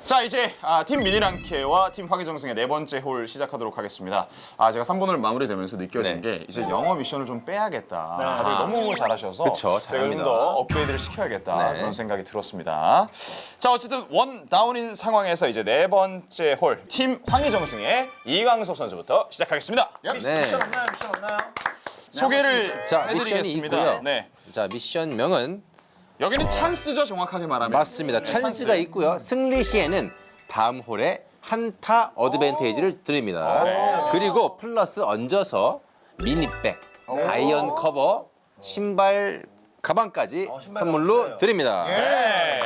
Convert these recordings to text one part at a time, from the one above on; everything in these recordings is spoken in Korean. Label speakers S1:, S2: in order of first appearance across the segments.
S1: 자, 이제 팀 미니랑케와 팀 화기정승의 네 번째 홀 시작하도록 하겠습니다. 제가 3번을 마무리되면서 느껴진 게 이제 영어 미션을 좀 빼야겠다. 다들 너무 잘하셔서
S2: 그쵸,
S1: 제가 좀
S2: 잘합니다.
S1: 더 업그레이드를 시켜야겠다.
S2: 네.
S1: 그런 생각이 들었습니다. 자, 어쨌든 원 다운인 상황에서 이제 네 번째 홀 팀 황희정승의 이광석 선수부터 시작하겠습니다.
S2: 네.
S3: 미션 없나요? 미션 없나요?
S1: 소개를
S2: 자, 미션이
S1: 해드리겠습니다.
S2: 있고요.
S1: 네.
S2: 자, 미션명은
S1: 여기는 찬스죠, 정확하게 말하면.
S2: 맞습니다. 찬스가 있고요. 승리 시에는 다음 홀에 한타 어드밴테이지를 드립니다. 그리고 플러스 얹어서 미니백, 아이언 커버, 신발, 가방까지 선물로
S3: 가방
S2: 드립니다.
S1: 네.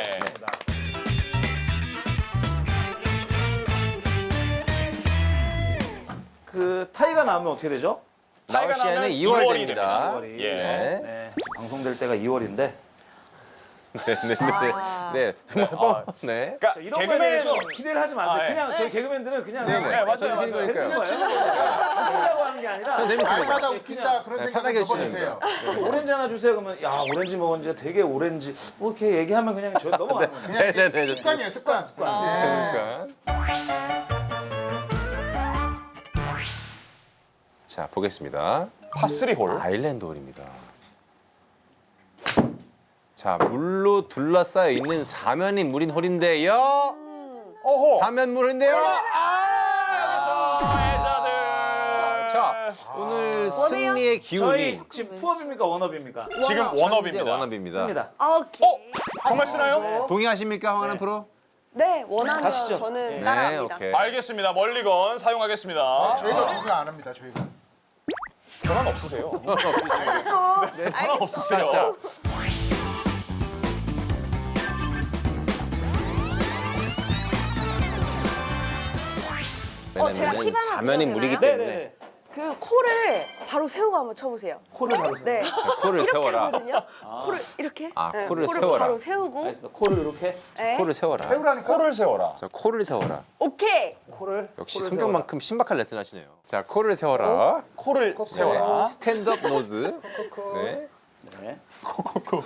S3: 그 타이가 나오면 어떻게 되죠?
S1: 타이가
S2: 나올 시에는
S1: 나면
S2: 2월
S1: 2월이
S2: 됩니다.
S3: 2월이.
S1: 예.
S2: 네.
S3: 네. 방송될 때가 2월인데.
S2: 네, 정말 네.
S1: 그러니까
S3: 이런 거에
S1: 개그맨
S3: 대해서 기대를 하지 마세요.
S1: 아, 예.
S3: 그냥 저희 개그맨들은 그냥
S2: 네,
S1: 맞아요,
S2: 쳐주시는
S1: 맞아요.
S2: 거니까요.
S3: 웃기려고 하는 게 아니라
S2: 전 재밌습니다.
S4: 날마다 웃긴다 그런
S2: 네,
S4: 생각
S2: 편하게
S4: 좀
S2: 해주시는
S4: 해주세요.
S3: 오렌지 하나 주세요. 그러면 야 오렌지 먹은 지 되게 오렌지 뭐 이렇게 얘기하면 그냥 저 넘어가는 거예요.
S2: 네네네. 좋습니다.
S4: 습관이에요, 습관. 네.
S2: 그러니까. 자, 보겠습니다.
S1: 파3 홀.
S2: 아일랜드 홀입니다. 자, 물로 둘러싸여 있는 사면이 물인 홀인데요.
S1: 오호.
S2: 사면물인데요.
S1: 해자들.
S2: 자, 오늘 승리의 기운이
S3: 저희 지금 푸업입니까 원업입니까?
S1: 지금
S2: 현재
S1: 원업입니다.
S2: 원업입니다.
S3: 습니다.
S5: 오케이.
S1: 정말 쓰나요?
S2: 동의하십니까, 황하남 프로?
S5: 네, 원하면
S3: 가시죠.
S5: 저는
S2: 네,
S5: 따라합니다.
S2: 오케이.
S1: 알겠습니다. 멀리건 사용하겠습니다.
S4: 저희가 공개 안 합니다, 저희가.
S1: 변함 없으세요? 네, 변함 없으세요.
S2: 자,
S5: 제가 팁 하나
S2: 사면이
S5: 드려도
S2: 물이기
S5: 되나요?
S2: 때문에
S3: 네네네.
S5: 그 코를 바로 세우고 한번 쳐보세요.
S3: 코를 바로 세워.
S5: 네.
S2: 코를 세워라.
S5: 하거든요. 코를 이렇게.
S2: 아,
S5: 네,
S2: 코를 세워라.
S5: 바로 세우고.
S3: 알겠습니다. 코를 이렇게
S5: 네.
S2: 코를 세워라.
S4: 세우라니까?
S1: 코를 세워라.
S2: 자, 코를 세워라.
S5: 오케이.
S3: 코를
S2: 역시
S3: 코를
S2: 성격만큼 신박한 레슨 하시네요. 자, 코를 세워라.
S1: 코를 세워라.
S2: 네, 스탠드업 노즈. 네.
S3: 세워라. 네.
S1: 코코코.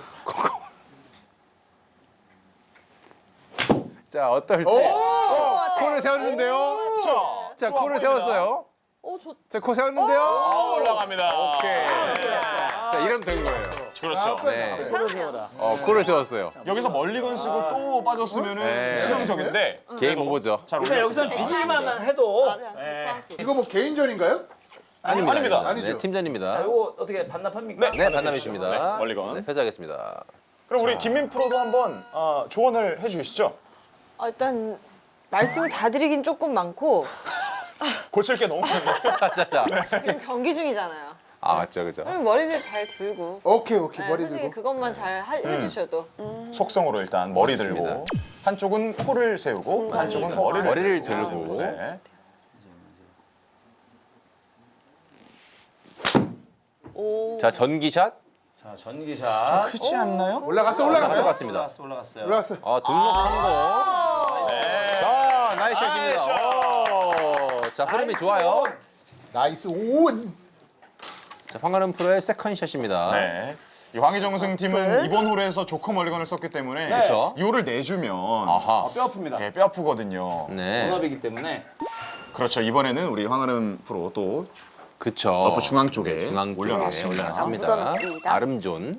S2: 자, 어떨지. 코를 세웠는데요. 자, 코를 세웠어요.
S5: 오, 좋.
S2: 자, 코 세웠는데요.
S1: 올라갑니다.
S2: 오케이. 자, 이러면 된 거예요.
S1: 그렇죠.
S2: 네.
S3: 코를 세워라.
S2: 코를 세웠어요.
S1: 여기서 멀리건 쓰고 또 빠졌으면은
S2: 네.
S1: 실용적인데
S2: 게임 오버죠.
S1: 잘
S3: 그러니까
S1: 올렸습니다.
S3: 여기서는 비닐만 해도
S4: 이거 뭐 개인전인가요?
S1: 아닙니다.
S4: 아니죠.
S2: 네, 팀전입니다.
S3: 이거 어떻게 반납합니까?
S2: 네, 반납이십니다.
S1: 네, 멀리건.
S2: 네, 패자하겠습니다.
S1: 그럼 우리 김민 프로도 한번 조언을 해주시죠.
S6: 일단 말씀을 다 드리긴 조금 많고
S1: 고칠 게 너무 많네요.
S2: 자.
S6: 지금 경기 중이잖아요.
S2: 아, 맞죠, 그죠.
S6: 그럼 머리를 잘 들고
S4: 오케이,
S6: 네,
S4: 머리
S6: 솔직히
S4: 들고.
S6: 그것만 잘 해주셔도
S1: 속성으로 일단 머리 들고
S2: 맞습니다.
S1: 한쪽은 코를 세우고 한쪽은
S2: 머리를 들고.
S1: 네.
S2: 자, 전기샷.
S3: 자 전기샷.
S1: 크지 않나요?
S4: 올라갔어.
S2: 들어갔습니다.
S3: 올라갔어요.
S4: 올라갔어.
S2: 등록 성공. 자, 나이스 샷입니다. 오, 자, 흐름이 좋아요.
S4: 나이스 온.
S2: 자, 황가름 프로의 세컨샷입니다.
S1: 네. 이 황희정승 팀은 이번 홀에서 조커 멀리건을 썼기 때문에
S2: 그렇죠.
S1: 이 홀을 내주면
S2: 아하.
S3: 뼈 아픕니다.
S1: 네, 뼈 아프거든요.
S2: 네.
S3: 원업이기 때문에
S1: 그렇죠. 이번에는 우리 황하름 프로 또
S2: 그쵸.
S1: 러프 중앙 쪽에
S2: 중앙 쪽에
S1: 올려놨습니다.
S2: 올려놨습니다.
S5: 묻어놨습니다.
S2: 아름존.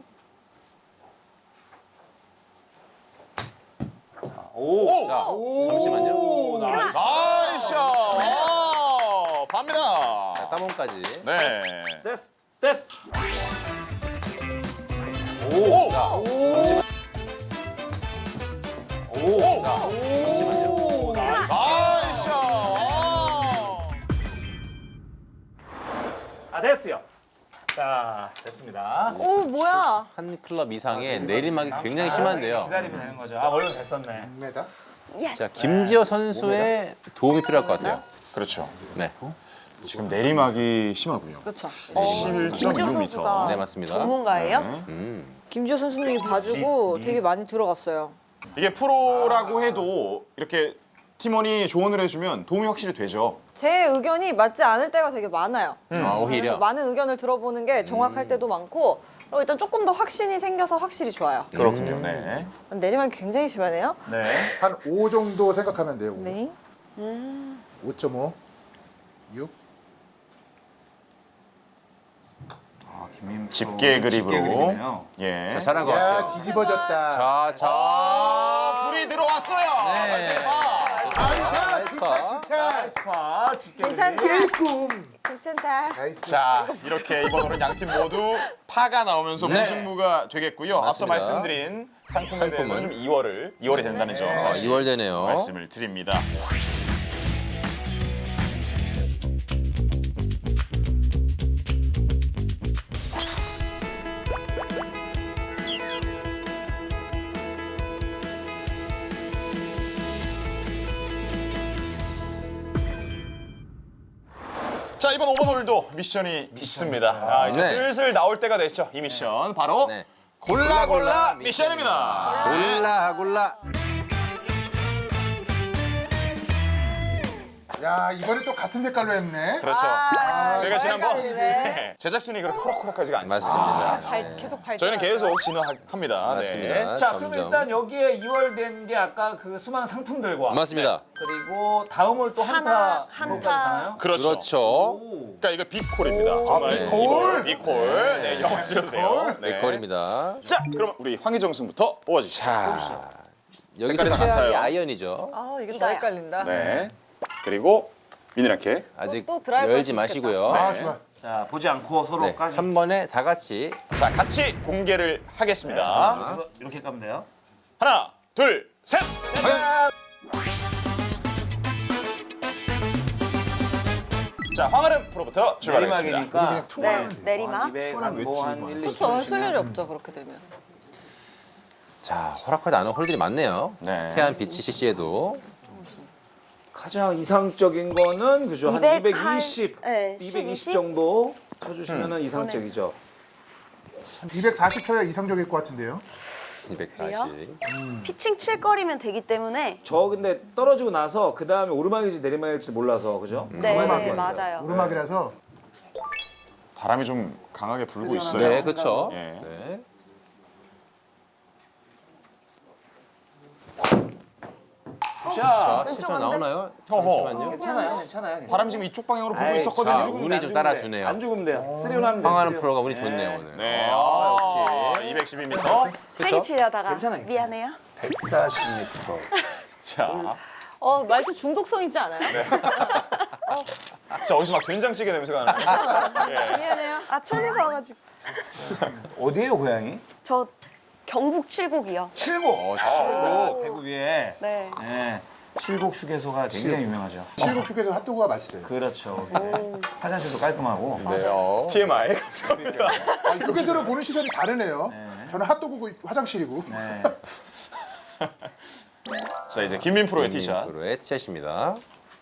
S3: 오.
S2: 자, 잠시만요.
S3: 오,
S1: 나이스 샷! 갑니다.
S2: 자, 따봉까지.
S1: 네.
S3: 됐어.
S1: 오!
S2: 자,
S1: 오!
S2: 자,
S1: 나이스 샷!
S3: 됐어요. 자 됐습니다.
S6: 오 뭐야?
S2: 한 클럽 이상의 내리막이 굉장히 심한데요.
S3: 기다리면 되는 거죠. 원래 잘 썼네.
S4: 6m.
S2: 자, 김지호 선수의 도움이 필요할 것 같아요.
S1: 그렇죠.
S2: 네.
S1: 지금 내리막이 심하고요.
S6: 그렇죠.
S5: 김지호
S1: 11.6m.
S5: 선수가
S2: 네, 맞습니다.
S5: 전문가예요?
S6: 김지호 선수님이 봐주고 되게 많이 들어갔어요.
S1: 이게 프로라고 해도 이렇게 팀원이 조언을 해주면 도움이 확실히 되죠.
S6: 제 의견이 맞지 않을 때가 되게 많아요.
S2: 아, 오히려.
S6: 그래서 많은 의견을 들어보는 게 정확할 때도 많고 일단 조금 더 확신이 생겨서 확실히 좋아요.
S1: 그렇군요. 네.
S6: 내리막이 굉장히 심하네요.
S3: 네.
S4: 한 5 정도 생각하면 돼요. 5.
S6: 네.
S4: 5.5. 6.
S3: 아, 김민
S1: 집게 그립으로.
S3: 그립이네요.
S1: 예.
S2: 자, 잘한 것
S4: 야,
S2: 같아요.
S4: 뒤집어졌다.
S2: 자.
S1: 불이 들어왔어요.
S2: 네. 나이스 파.
S3: 아, 집게
S6: 괜찮다.
S4: 꿈.
S6: 괜찮다.
S4: 나이스.
S1: 자, 이렇게 이번 홀은 양팀 모두 파가 나오면서
S2: 네.
S1: 무승부가 되겠고요. 앞서
S2: 맞습니다.
S1: 말씀드린 상품에 대해서는 좀 2월이 된다는 점
S2: 아,
S1: 다시
S2: 2월 되네요.
S1: 말씀을 드립니다. 자, 이번 5번 홀도 미션이 있습니다. 아, 이제
S2: 네.
S1: 슬슬 나올 때가 됐죠. 이 미션 바로
S2: 네.
S1: 골라 미션입니다.
S2: 골라.
S4: 야, 이번에 또 같은 색깔로 했네.
S1: 그렇죠. 저희가 지난번
S6: 헷갈리네.
S1: 제작진이 그렇게 호락호락하지가 않습니다.
S2: 맞습니다.
S6: 계속 발전.
S1: 저희는 계속 진화합니다.
S2: 맞습니다.
S1: 네.
S3: 자,
S2: 점점.
S3: 그럼 일단 여기에 2월 된 게 아까 그 수많은 상품들과
S2: 맞습니다.
S3: 그리고 다음 홀 또
S5: 한타.
S3: 한타까지 가나요?
S1: 그렇죠.
S2: 그렇죠.
S1: 그러니까 이거 빅콜입니다. 정말
S4: 빅콜?
S1: 빅콜. 네, 영어 쓰셔도 돼요. 네.
S2: 빅콜입니다.
S1: 자, 그럼 우리 황희정 승부터 뽑아주시죠.
S2: 자, 여기서
S1: 색깔이 다
S2: 최악이
S1: 같아요.
S2: 아이언이죠.
S6: 아, 이게 더 헷갈린다.
S1: 네. 그리고 미니라켓.
S2: 아직
S6: 또 드라이버
S2: 열지
S6: 할수
S2: 마시고요.
S4: 아,
S1: 네.
S4: 좋아.
S3: 자, 보지 않고
S2: 네,
S3: 서로까지.
S2: 한 번에 다 같이
S1: 자, 같이 공개를 하겠습니다.
S3: 그래서 이렇게 까면 돼요.
S1: 하나, 둘, 셋. 자, 황아름 프로부터 출발하겠습니다.
S3: 내리막이니까
S4: 그냥 투만 하면 돼.
S5: 내리막.
S3: 200,
S4: 왜
S3: 뭐한
S4: 치고
S3: 1, 2,
S6: 그렇죠. 쓸 일이 없죠. 그렇게 되면.
S2: 자, 허락하지 않은 홀들이 많네요.
S1: 네.
S2: 태안 비치 CC에도
S3: 가장 이상적인 거는 그죠? 한
S5: 200,
S3: 220,
S5: 네,
S3: 220 정도 쳐주시면은 이상적이죠.
S4: 240 쳐야 이상적일 것 같은데요.
S2: 240.
S5: 피칭 칠 거리면 되기 때문에.
S3: 저 근데 떨어지고 나서 그 다음에 오르막일지 내리막일지 몰라서 그죠?
S5: 네,
S3: 오르막이에요.
S5: 맞아요.
S4: 오르막이라서
S1: 바람이 좀 강하게 불고 있어요.
S2: 네, 그렇죠.
S1: 예.
S2: 네. 자,
S3: 샷.
S2: 실수가 나오나요?
S1: 어허.
S2: 잠시만요.
S3: 괜찮아요, 괜찮아요.
S1: 바람이 지금 이쪽 방향으로 불고
S3: 아이,
S1: 있었거든요.
S2: 자,
S3: 죽으면
S2: 운이
S3: 안
S2: 좀
S3: 죽으면
S2: 따라주네요.
S3: 돼. 안 죽으면 돼요. 쓰리온 하면 돼요.
S2: 황하는
S3: 쓰리온.
S2: 프로가 운이 좋네요, 오늘.
S1: 네.
S2: 역시.
S1: 212m.
S5: 세게 치려다가
S3: 괜찮아, 괜찮아.
S5: 미안해요.
S3: 140m.
S1: 자,
S6: 말도 중독성 있지 않아요?
S1: 자 어디서 막 된장찌개 냄새가 나는. 예.
S6: 미안해요.
S5: 아, 천에서 와가지고.
S3: 어디에요, 고향이?
S5: 저 경북 칠곡이요.
S3: 칠곡.
S1: 칠곡.
S3: 대구 위에.
S5: 네.
S3: 네. 칠곡 휴게소가 굉장히 유명하죠.
S4: 칠곡 휴게소 핫도그가 맛있어요.
S3: 그렇죠. 화장실도 깔끔하고.
S2: 네,
S1: TMI 감사합니다.
S4: 아, 휴게소를 보는 시선이 다르네요. 저는 핫도그고 화장실이고.
S3: 네.
S1: 자 이제 김민 프로의 티샷.
S2: 프로의 티샷입니다.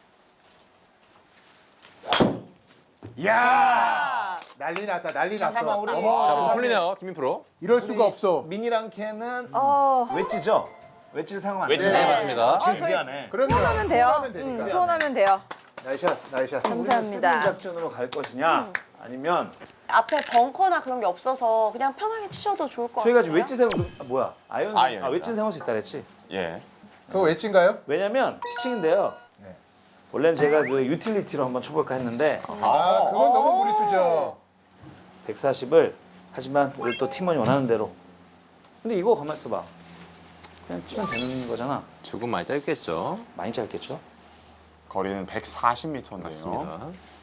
S4: 이야! 난리 났다, 난리
S3: 잠깐만,
S4: 났어.
S3: 우리-
S4: 어머,
S2: 자, 몸 풀리네요, 김민 프로.
S4: 이럴 수가 없어.
S3: 미니랑 캔은 웨지죠? 웨지를 사용하면 안
S1: 웨지.
S3: 돼요.
S2: 네, 맞습니다.
S3: 제일
S6: 저희-
S3: 유리하네.
S4: 그럼요.
S6: 투혼하면 돼요.
S4: 투혼하면 되니까.
S6: 투혼하면 돼요.
S4: 나이샷, 나이샷.
S6: 감사합니다.
S3: 수비 작전으로 갈 것이냐 아니면
S5: 앞에 벙커나 그런 게 없어서 그냥 편하게 치셔도 좋을 것 같아요.
S3: 저희가 지금 웨지 사용 뭐야? 아이언
S1: 아이언입니다.
S3: 웨지 사용할 수 있다 그랬지?
S1: 예.
S4: 그거 웨지인가요?
S3: 왜냐면 피칭인데요.
S4: 네.
S3: 원래는 제가 그 유틸리티로 한번 쳐볼까 했는데
S4: 아, 그건 너무 무리수죠.
S3: 140을 하지만 우리 또 팀원이 원하는 대로. 근데 이거 가만 있어봐. 그냥 치면 되는 거잖아.
S2: 조금 많이 짧겠죠.
S3: 많이 짧겠죠?
S1: 거리는 140m인데요.
S2: 맞습니다.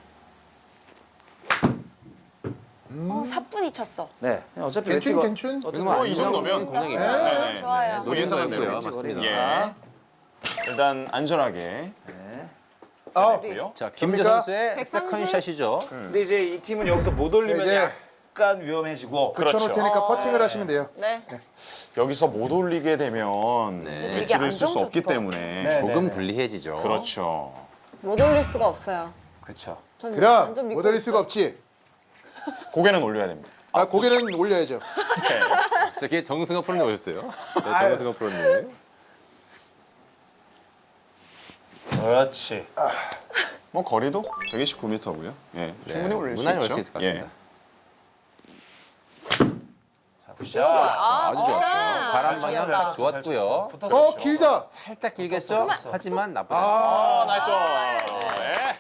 S5: 사뿐히 쳤어.
S3: 네. 그냥 어차피
S4: 괜춘,
S3: 웨지가
S4: 괜춘?
S1: 뭐 이 정도면
S2: 공략입니다.
S1: 네.
S5: 좋아요.
S1: 뭐 예상은
S2: 노리는
S1: 대로.
S2: 거고요. 맞습니다.
S1: 예. 일단 안전하게
S3: 네.
S4: 아,
S1: 했고요.
S2: 자, 김재
S4: 됩니까?
S2: 선수의
S6: 130?
S2: 세컨샷이죠.
S3: 근데 이제 이 팀은 여기서 못 올리면
S4: 이제
S3: 약간 위험해지고.
S1: 그렇죠.
S4: 붙여놓을 테니까 퍼팅을 하시면 돼요.
S6: 네.
S1: 여기서 못 올리게 되면
S2: 네.
S1: 웨지를 쓸 수 없기
S5: 안정적일 것
S1: 때문에
S3: 네.
S2: 조금 불리해지죠.
S1: 그렇죠.
S6: 못 올릴 수가 없어요.
S3: 그렇죠.
S6: 전
S4: 그럼
S6: 완전 믿고
S4: 못 올릴 수가 없지.
S1: 고개는 올려야 됩니다.
S4: 아, 고개는 올려야죠.
S2: 자, 걔 정승호 프로님 오셨어요. 네, 정승호 프로님.
S3: 그렇지.
S1: 뭐 거리도 129m고요. 예, 충분히 올릴 수
S2: 무난히
S1: 있죠.
S2: 올수 있을 것 같습니다. 아주 좋았어요. 바람 방향 딱 좋았고요.
S4: 길다.
S2: 살짝 길겠죠? 하지만 나쁘지 않습니다.
S1: 나이스. 네.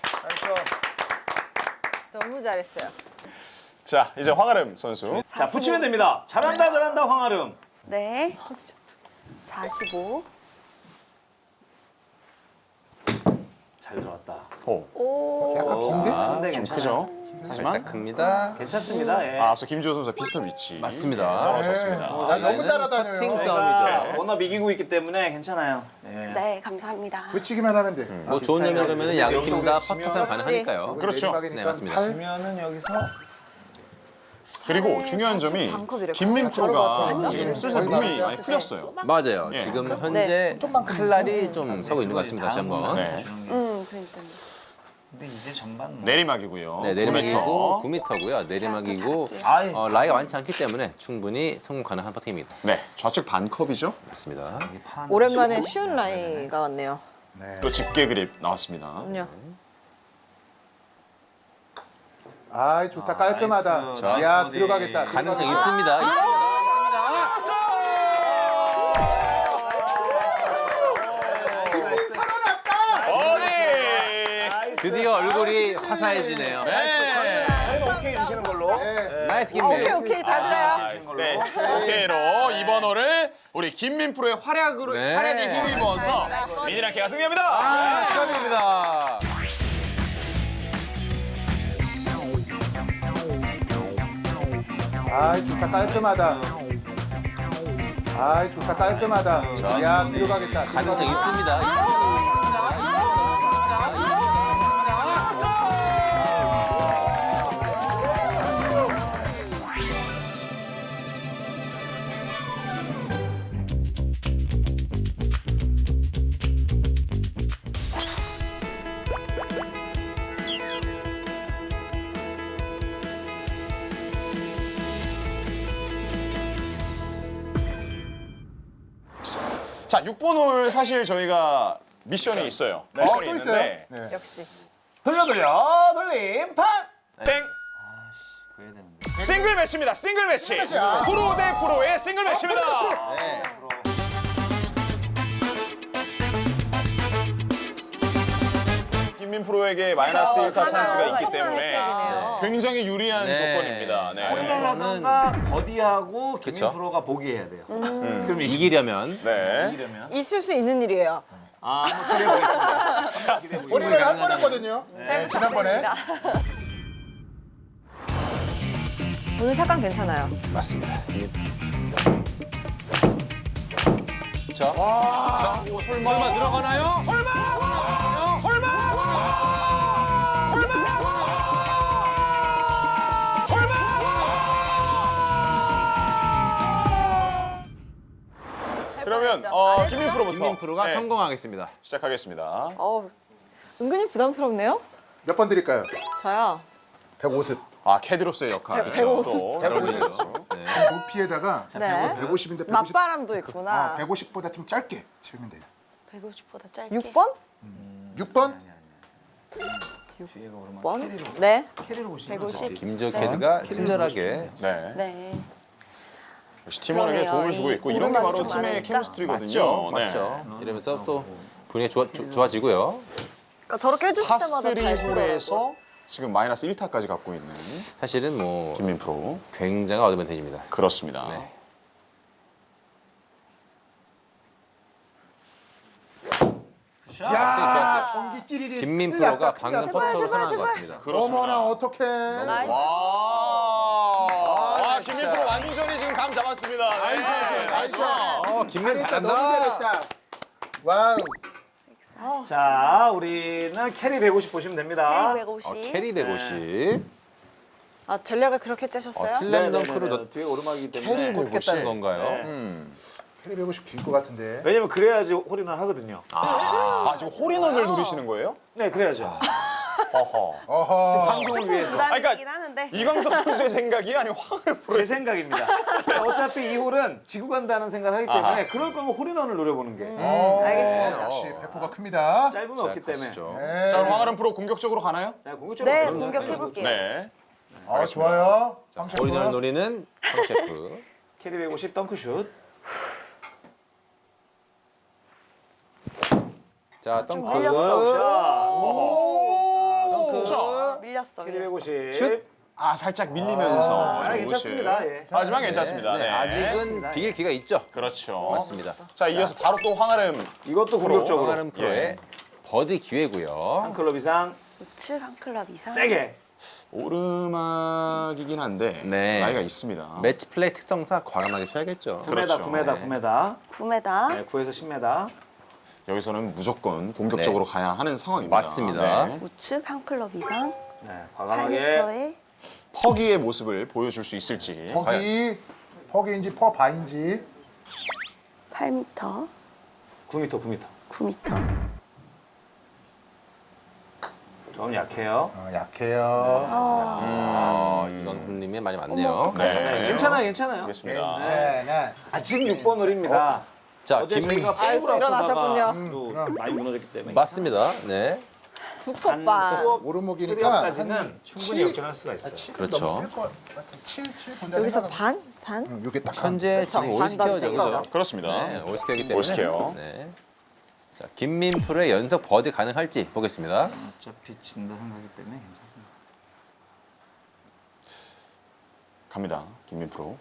S6: 너무 잘했어요.
S1: 자, 이제 황아름 선수.
S3: 자, 붙이면 됩니다. 잘한다, 잘한다, 황아름.
S5: 네. 45.
S3: 잘 들어왔다.
S1: 오,
S4: 약간 긴데?
S3: 근데
S1: 좀
S3: 괜찮아요.
S1: 크죠?
S2: 살짝
S1: 하지만
S2: 큽니다.
S3: 괜찮습니다. 예.
S1: 앞서 김주호 선수와 비슷한 위치.
S2: 맞습니다.
S1: 떨어졌습니다.
S4: 난 너무 따라다녀요.
S2: 퍼팅
S3: 저희가
S2: 싸움이죠.
S3: 워낙 이기고 있기 때문에 괜찮아요. 예.
S5: 네, 감사합니다.
S4: 붙이기만 하면 돼.
S2: 뭐 좋은 점이 그러면 양 팀 다 퍼터상
S6: 역시.
S2: 가능하니까요.
S1: 그렇죠.
S4: 내리막이니까
S2: 네, 맞습니다.
S4: 팔.
S3: 그러면은 여기서
S1: 그리고 중요한 점이
S6: 반컵이래.
S1: 김민
S6: 바로
S1: 프로가
S6: 바꿔.
S1: 지금 슬슬 몸이 많이 풀렸어요.
S2: 맞아요.
S1: 예.
S2: 지금 현재 칼날이 좀 서고 있는 것 같습니다. 다시 한번.
S1: 네.
S5: 그러니까요.
S3: 근데 이제 전반 뭐.
S1: 내리막이고요.
S2: 네, 내리막이고
S1: 9m.
S2: 9m고요. 내리막이고
S3: 아이,
S2: 라이가 많지 않기 때문에 충분히 성공 가능한 퍼팅입니다.
S1: 네, 좌측 반컵이죠.
S2: 맞습니다.
S6: 오랜만에 쉬운 라이가 왔네요.
S1: 또 집게 그립 나왔습니다.
S6: 그럼요.
S4: 아, 좋다. 깔끔하다.
S3: 나이스.
S4: 야,
S3: 나이스.
S4: 들어가겠다.
S2: 가능성
S4: 들어가겠다.
S2: 있습니다.
S1: 어디?
S2: 드디어 얼굴이 화사해지네요.
S1: 네.
S3: 저희가 오케이 주시는 걸로.
S4: 네.
S2: 나이스
S6: 오케이,
S2: 김민.
S6: 오케이. 다 들어요.
S1: 네, 오케이로 이번 홀을 우리 김민 프로의 활약으로
S2: 네.
S1: 활약에 힘입어서 미니랑케가 승리합니다.
S2: 아, 축하드립니다.
S4: 아, 좋다. 깔끔하다. 아, 좋다. 깔끔하다. 야, 들어가겠다.
S2: 가능성 있습니다.
S1: 자, 6번 홀 사실 저희가 미션이 있어요.
S4: 또
S1: 미션이
S4: 있어요?
S1: 있는데
S4: 네.
S6: 역시.
S3: 돌려 돌림 판.
S1: 땡.
S3: 그래야 되는데.
S1: 싱글 매치입니다. 싱글 매치.
S4: 매치야.
S1: 프로 대 프로의 싱글 매치입니다.
S2: 네.
S1: 김민 프로에게 마이너스 1타 찬스가 있기 때문에
S6: 혜택이네요.
S1: 굉장히 유리한
S2: 네.
S1: 조건입니다. 네.
S3: 홀이라던가 버디하고 김민
S2: 그쵸.
S3: 프로가 보기해야 돼요.
S2: 그럼 이기려면
S1: 네.
S3: 이러면
S6: 있을 수 있는 일이에요.
S3: 한번 기대해 보겠습니다.
S4: 우리가 한 번 했거든요. 네, 지난번에.
S6: 오늘 샷감 괜찮아요.
S2: 맞습니다. 설마 들어가나요?
S1: 그러면 김민 프로부터
S2: 김민 프로가
S1: 네,
S2: 성공하겠습니다.
S1: 시작하겠습니다.
S6: 은근히 부담스럽네요.
S4: 몇 번 드릴까요?
S6: 저요.
S4: 150.
S1: 아, 캐디로서의 역할.
S6: 백- 백오십.
S1: 또 잘 어울리죠.
S4: 높이에다가
S6: 네.
S4: 150인데 150.
S6: 맞바람도 있구나.
S4: 150보다 좀 짧게 치면 돼요.
S5: 150보다 짧게.
S6: 6번?
S4: 6번?
S6: 6번? 네.
S5: 150.
S2: 김조 캐드가 친절하게
S1: 네.
S5: 네.
S1: 역시 팀원에게
S5: 그러네요.
S1: 도움을 주고 있고 이런 게
S5: 오르막이
S1: 바로
S5: 좀
S1: 팀의
S5: 많으니까.
S1: 케미스트리거든요. 네.
S2: 맞죠? 이러면서 또 분위기가 좋아지고요.
S6: 그러니까 저렇게 해주실 때마다 잘
S1: 파3
S6: 치더라고요.
S1: 홀에서 지금 마이너스 1타까지 갖고 있는
S2: 사실은 뭐
S1: 김민 프로.
S2: 굉장한 어드밴티지입니다.
S1: 그렇습니다.
S2: 네.
S4: 야, 전기 찌리리.
S2: 김민
S4: 큰일 났다,
S2: 프로가
S4: 큰일
S2: 방금
S4: 났어.
S2: 퍼터로 선언한 것 같습니다.
S4: 어머나, 어떡해.
S5: 나이스.
S1: 와, 김민 프로 완전히 지금 감 잡았습니다. 네.
S4: 나이스.
S2: 김민
S4: 잘했다, 너무
S2: 잘한다.
S4: 잘했다. 와우.
S3: 자, 우리는 캐리 150 보시면 됩니다.
S5: 150.
S2: 캐리 150.
S6: 아, 전략을 그렇게 짜셨어요?
S2: 슬램덩크로 넣
S3: 뒤에 오르막이기 때문에
S1: 캐리
S2: 겠다는 건가요?
S3: 네.
S4: 캐리 150 길 것 같은데.
S3: 왜냐면 그래야지 홀인원 하거든요.
S1: 아, 지금 홀인원을 노리시는 거예요?
S3: 네, 그래야죠.
S1: 어허.
S4: 어허.
S3: 방송을 위해서.
S5: 부담이긴 하는데.
S1: 이광석 선수의 생각이 아니면 황을 프로.
S3: 제 생각입니다. 어차피 이 홀은 지고 간다는 생각을 하기 때문에 그럴 거면 홀인원을 노려보는 게
S6: 알겠습니다.
S4: 역시 배포가 큽니다.
S3: 짧으면 없기 때문에.
S2: 가시죠.
S4: 네.
S1: 자, 그럼 황아름 프로 공격적으로 가나요?
S3: 자, 공격적으로
S6: 네,
S3: 가보도록
S6: 공격해볼게요.
S1: 네.
S4: 좋아요.
S2: 오리지널 노리는 황 셰프.
S3: 캐리 150 덩크슛.
S2: 자, 덩크.
S3: 덩크.
S5: 밀렸어.
S3: 캐리
S5: 밀렸어.
S3: 150.
S2: 슛.
S1: 아 살짝 밀리면서 좀
S3: 괜찮습니다.
S1: 옷을.
S3: 예.
S1: 하지만 괜찮습니다. 네.
S2: 아직은 비길 기가 있죠.
S1: 그렇죠.
S2: 맞습니다.
S1: 자 이어서 바로 또 황아름
S3: 이것도 공격적으로.
S2: 황아름 프로의
S1: 예.
S2: 버디 기회고요.
S3: 한 클럽 이상
S5: 우측 한 클럽 이상.
S3: 세게.
S1: 오르막이긴 한데
S2: 네.
S1: 나이가 있습니다.
S2: 매치 플레이 특성상 과감하게 쳐야겠죠.
S3: 9m,
S1: 그렇죠.
S3: 9m,
S2: 네.
S3: 9m.
S5: 9m.
S3: 네, 9에서 10m.
S1: 여기서는 무조건 공격적으로 가야 하는 상황입니다.
S2: 맞습니다.
S1: 네.
S5: 우측 한 클럽 이상.
S3: 네, 과감하게.
S5: 8m에
S1: 퍼기의 모습을 보여줄 수 있을지. 과연.
S4: 퍼기인지 퍼바인지
S5: 8m.
S3: 9m, 9m.
S5: 9m.
S3: 좀 약해요.
S4: 약해요.
S2: 이건 형님이 많이 많네요.
S1: 네.
S3: 괜찮아요, 괜찮아요.
S1: 알겠습니다.
S4: 네.
S3: 아직 6번 홀입니다.
S2: 자,
S3: 어제 저희가
S6: 아이고,
S3: 포구를
S6: 일어나셨군요.
S3: 앞서다가 또
S4: 그럼.
S3: 많이 무너졌기 때문에.
S2: 맞습니다. 네.
S6: 두 컵반.
S4: 오르막이니까
S3: 수리업까지는 충분히 역전할 수가 있어요.
S2: 그렇죠.
S4: 7 본다.
S6: 여기서 반? 반?
S4: 이게 딱
S2: 현재 지금
S6: 그쵸,
S2: 올스케어죠.
S6: 반반
S2: 그죠?
S6: 땡겨죠.
S1: 그렇습니다.
S2: 네, 올스케어이기 때문에.
S1: 올스케어.
S2: 네. 자, 김민프로의 연속 버디 가능할지 보겠습니다.
S3: 어차피 진다 생각하기 때문에 괜찮습니다.
S1: 갑니다. 김민 프로.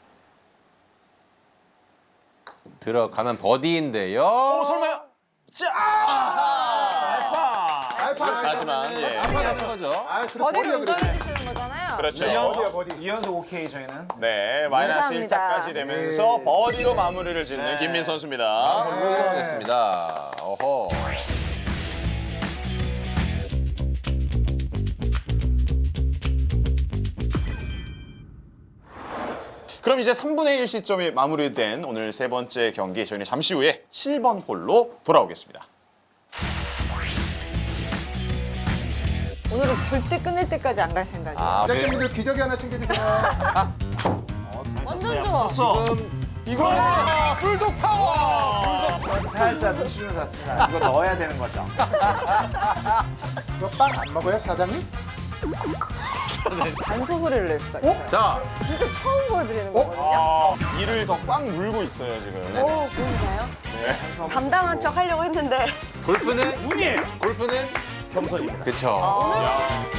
S2: 들어가면 버디인데요.
S1: 오 설마요? 자! 하지만 예.
S2: 하는 거죠.
S6: 버디를 운전해 주시는 거잖아요.
S1: 그렇죠.
S4: 버디야 버디.
S3: 2연속 오케이 저희는.
S1: 네, 마이너스
S6: 감사합니다.
S1: 1타까지 되면서
S4: 네.
S1: 버디로 마무리를 짓는 김민 선수입니다.
S2: 볼로 이동하겠습니다. 어허.
S1: 그럼 이제 3분의 1 시점이 마무리된 오늘 세 번째 경기 저희는 잠시 후에 7번 홀로 돌아오겠습니다.
S6: 오늘은 절대 끝낼 때까지 안 갈 생각이에요.
S2: 아,
S4: 제작진분들 기저귀 하나 챙겨주세요.
S6: 완전 좋아.
S2: 지금
S1: 이거 불독 파워!
S3: 살짝 눈치 주면서 왔습니다. 이거 넣어야 되는 거죠.
S4: 이거 빵 안 먹어요, 사장님?
S6: 반소소리를 낼 수가 있어요.
S2: 자,
S6: 진짜 처음 보여드리는 거거든요.
S1: 이를 더 꽉 물고 있어요 지금.
S5: 오, 보이나요?
S1: 네.
S5: 감당한 척 하려고 했는데
S2: 골프는
S3: 운이에요.
S2: 골프는
S3: 겸손입니다.
S2: 그쵸.
S1: 야,